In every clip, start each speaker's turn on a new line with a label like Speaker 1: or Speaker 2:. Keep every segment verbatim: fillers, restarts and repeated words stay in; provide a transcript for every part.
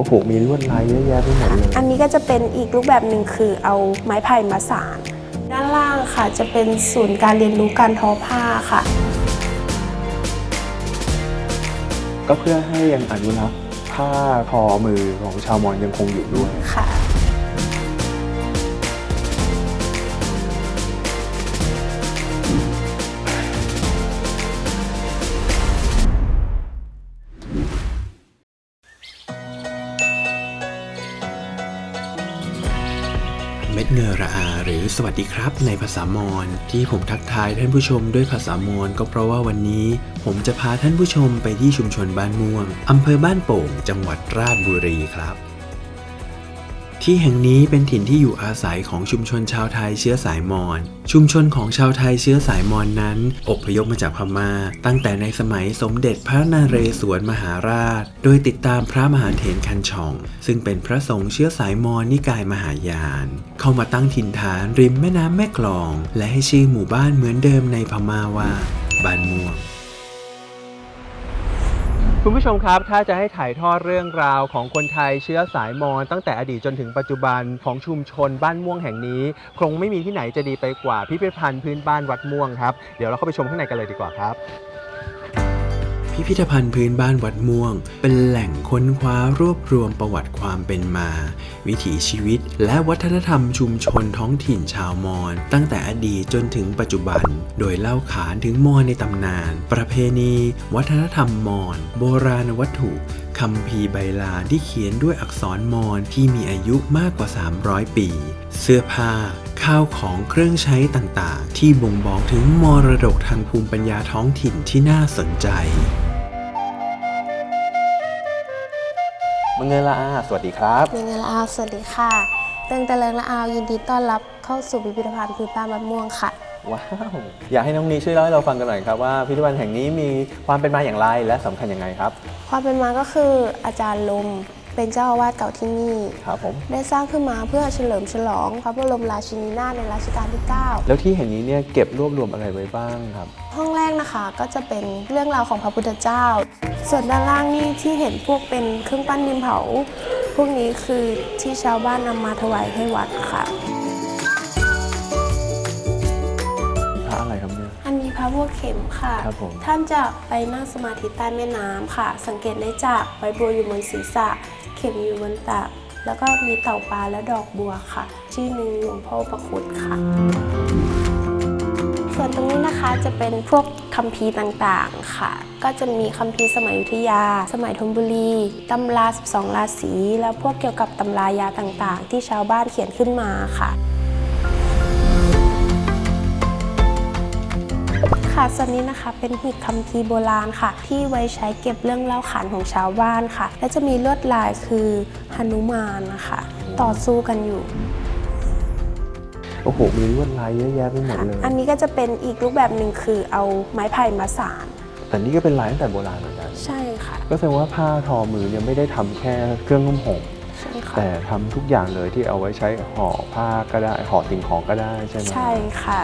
Speaker 1: โหมีลวดลายเยอะแยะไปหมดเลย
Speaker 2: อันนี้ก็จะเป็นอีกรูปแบบหนึ่งคือเอาไม้ไผ่มาสานด้านล่างค่ะจะเป็นศูนย์การเรียนรู้การทอผ้าค่ะ
Speaker 1: ก็เพื่อให้ยังอนุรักษ์ผ้าทอมือของชาวมอญยังคงอยู่ด้วย
Speaker 2: ค่ะ
Speaker 3: เม็ดเงอระอาหรือสวัสดีครับในภาษามอญที่ผมทักทายท่านผู้ชมด้วยภาษามอญก็เพราะว่าวันนี้ผมจะพาท่านผู้ชมไปที่ชุมชนบ้านม่วงอำเภอบ้านโป่งจังหวัดราษฎร์บุรีครับที่แห่งนี้เป็นถิ่นที่อยู่อาศัยของชุมชนชาวไทยเชื้อสายมอญชุมชนของชาวไทยเชื้อสายมอญนั้นอพยพมาจากพม่าตั้งแต่ในสมัยสมเด็จพระนเรศวรมหาราชโดยติดตามพระมหาเถรคันช่องซึ่งเป็นพระสงฆ์เชื้อสายมอญนิกายมหายานเข้ามาตั้งถิ่นฐานริมแม่น้ำแม่กลองและให้ชื่อหมู่บ้านเหมือนเดิมในพม่าว่าบ้านม่วง
Speaker 1: คุณผู้ชมครับถ้าจะให้ถ่ายทอดเรื่องราวของคนไทยเชื้อสายมอญตั้งแต่อดีตจนถึงปัจจุบันของชุมชนบ้านม่วงแห่งนี้คงไม่มีที่ไหนจะดีไปกว่าพิพิธภัณฑ์พื้นบ้านวัดม่วงครับเดี๋ยวเราเข้าไปชมข้างในกันเลยดีกว่าครับ
Speaker 3: พิพิธภัณฑ์พื้นบ้านวัดม่วงเป็นแหล่งค้นคว้ารวบรวมประวัติความเป็นมาวิถีชีวิตและวัฒนธรรมชุมชนท้องถิ่นชาวมอญตั้งแต่อดีตจนถึงปัจจุบันโดยเล่าขานถึงมอญในตำนานประเพณีวัฒนธรรมมอญโบราณวัตถุคัมภีร์ใบลานที่เขียนด้วยอักษรมอญที่มีอายุมากกว่าสามร้อยปีเสื้อผ้าข้าวของเครื่องใช้ต่างๆที่บ่งบอกถึงมรดกทางภูมิปัญญาท้องถิ่นที่น่าสนใจ
Speaker 1: มังเงละอาสวัสดีครับ
Speaker 2: มังเงละอาสวัสดีค่ะเติงตะเลิงละอายินดีต้อนรับเข้าสู่พิพิธภัณฑ์พื้นบ้านวัดม่วงค่ะ
Speaker 1: ว้าวอยากให้น้องนีช่วยเล่าให้เราฟังกันหน่อยครับว่าพิพิธภัณฑ์แห่งนี้มีความเป็นมาอย่างไรและสำคัญยังไงครับ
Speaker 2: ความเป็นมาก็คืออาจารย์ลมเป็นเจ้าอาวาสเก่าที่นี่
Speaker 1: ครับผม
Speaker 2: ได้สร้างขึ้นมาเพื่อเฉลิมฉลองพระบรมราชินีนาถในรัชกาลที่เก้า
Speaker 1: แล้วที่แห่งนี้เนี่ยเก็บรวบรวมอะไรไว้บ้างครับ
Speaker 2: ห้องแรกนะคะก็จะเป็นเรื่องราวของพระพุทธเจ้าส่วนด้านล่างนี่ที่เห็นพวกเป็นเครื่องปั้นดินเผาพวกนี้คือที่ชาวบ้านนำมาถวายให้วัดค่ะ
Speaker 1: พระอะไรครับเนี่ย
Speaker 2: อันนี้พระบัวเข็มค่ะ
Speaker 1: ครับผม
Speaker 2: ท่านจะไปนั่งสมาธิใต้แม่น้ำค่ะสังเกตได้จากใบบัวอยู่บนศีรษะเข็มอยู่บนตักแล้วก็มีเต่าปลาและดอกบัวค่ะชื่อหนึ่งหลวงพ่อประคุณค่ะส่วนตรงนี้นะคะจะเป็นพวกคัมภีร์ต่างๆค่ะก็จะมีคัมภีร์สมัยอยุธยาสมัยธนบุรีตำราสิบสองราศีแล้วพวกเกี่ยวกับตำรายาต่างๆที่ชาวบ้านเขียนขึ้นมาค่ะค่ะส่วนนี้นะคะเป็นหีบคัมภีร์โบราณค่ะที่ไว้ใช้เก็บเรื่องเล่าขานของชาวบ้านค่ะและจะมีลวดลายคือหนุมานนะคะต่อสู้กันอยู่
Speaker 1: โอ้โหมีลวดลายเยอะแยะไปหมดเลย
Speaker 2: อันนี้ก็จะเป็นอีกรูปแบบหนึ่งคือเอาไม้ไผ่มาสาน
Speaker 1: แต่นี่ก็เป็นลายตั้งแต่โบราณเหมือนกัน
Speaker 2: ใช่ค่ะ
Speaker 1: ก็แสดงว่าผ้าทอมือเนี่ยไม่ได้ทำแค่เครื่องนุ่มห่มแต่ทำทุกอย่างเลยที่เอาไว้ใช้ห่อผ้าก็ได้ห่อสิ่งของก็ได้ใช่ไหม
Speaker 2: ใช่ค่ะ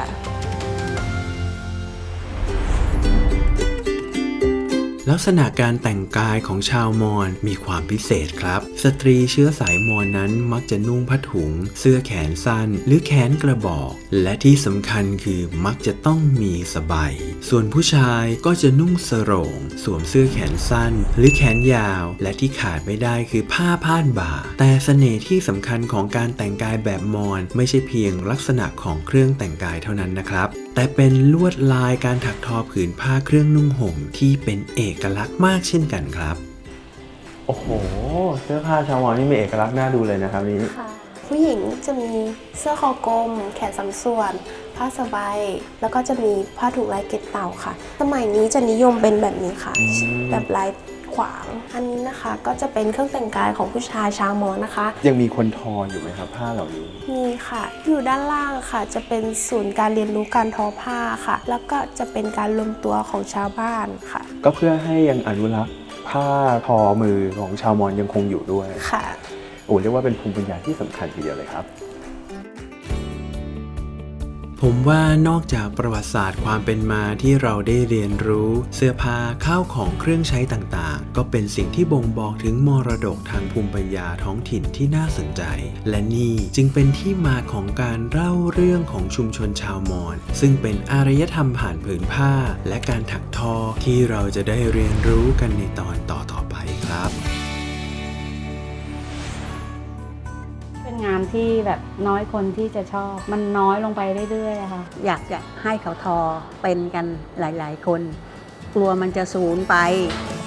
Speaker 3: ลักษณะการแต่งกายของชาวมอญมีความพิเศษครับสตรีเชื้อสายมอญนั้นมักจะนุ่งผ้าถุงเสื้อแขนสั้นหรือแขนกระบอกและที่สำคัญคือมักจะต้องมีสบายส่วนผู้ชายก็จะนุ่งสโรงสวมเสื้อแขนสั้นหรือแขนยาวและที่ขาดไม่ได้คือผ้าพาดบ่าแต่เสน่ห์ที่สำคัญของการแต่งกายแบบมอญไม่ใช่เพียงลักษณะของเครื่องแต่งกายเท่านั้นนะครับแต่เป็นลวดลายการถักทอผืนผ้าเครื่องนุ่งห่มที่เป็นเอกลักษณ์มากเช่นกันครับ
Speaker 1: โอ้โหเสื้อผ้าชาวมอญนี่มีเอกลักษณ์น่าดูเลยนะครับนี้
Speaker 2: ค่ะผู้หญิงจะมีเสื้อคอกลมแขนสามส่วนผ้าสบายแล้วก็จะมีผ้าถุงลายเกล็ดเต่าค่ะสมัยนี้จะนิยมเป็นแบบนี้ค่ะแบบลายขวางอันนี้นะคะก็จะเป็นเครื่องแต่งกายของผู้ชายชาวมอญนะคะ
Speaker 1: ยังมีคนทออยู่ไหมครับผ้าเหล่านี้
Speaker 2: มีค่ะอยู่ด้านล่างค่ะจะเป็นศูนย์การเรียนรู้การทอผ้าค่ะแล้วก็จะเป็นการรวมตัวของชาวบ้านค่ะ
Speaker 1: ก็เพื่อให้ยังอนุรักษ์ผ้าทอมือของชาวมอญยังคงอยู่ด้วย
Speaker 2: ค่ะ
Speaker 1: โอ้เรียกว่าเป็นภูมิปัญญาที่สำคัญทีเดียวเลยครับ
Speaker 3: ผมว่านอกจากประวัติศาสตร์ความเป็นมาที่เราได้เรียนรู้เสื้อผ้าข้าวของเครื่องใช้ต่างๆก็เป็นสิ่งที่บ่งบอกถึงมรดกทางภูมิปัญญาท้องถิ่นที่น่าสนใจและนี่จึงเป็นที่มาของการเล่าเรื่องของชุมชนชาวมอญซึ่งเป็นอารยธรรมผ่านผืนผ้าและการถักทอที่เราจะได้เรียนรู้กันในตอนต่อๆไปครับ
Speaker 4: เป็นงานที่แบบน้อยคนที่จะชอบมันน้อยลงไปเรื่อยๆอะค่ะ
Speaker 5: อยากจะให้เขาทอเป็นกันหลายๆคน กลัวมันจะสูญไป